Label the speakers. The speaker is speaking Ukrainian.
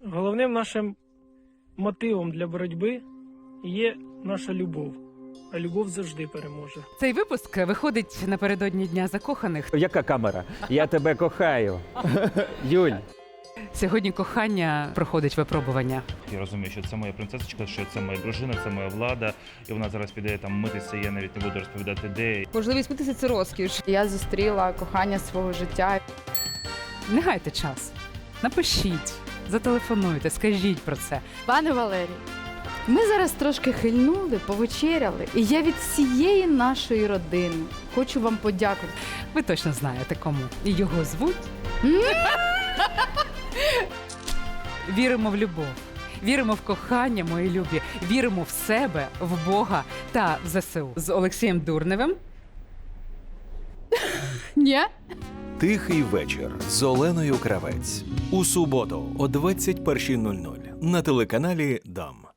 Speaker 1: Головним нашим мотивом для боротьби є наша любов, а любов завжди переможе.
Speaker 2: Цей випуск виходить напередодні Дня закоханих.
Speaker 3: Яка камера? Я тебе кохаю. Юль.
Speaker 2: Сьогодні кохання проходить випробування.
Speaker 4: Я розумію, що це моя принцесочка, що це моя дружина, це моя влада, і вона зараз піде там митися, я навіть не буду розповідати де.
Speaker 5: Можливість митися – це розкіш. Я зустріла кохання свого життя.
Speaker 2: Не гайте час. Напишіть, зателефонуйте, скажіть про це.
Speaker 5: Пане Валерій, ми зараз трошки хильнули, повечеряли, і я від всієї нашої родини хочу вам подякувати.
Speaker 2: Ви точно знаєте кому. І його звуть. Віримо в любов. Віримо в кохання, мої любі. Віримо в себе, в Бога та в ЗСУ. З Олексієм Дурневим.
Speaker 5: Ні?
Speaker 6: Тихий вечір з Оленою Кравець. У суботу о 21:00 на телеканалі Дам.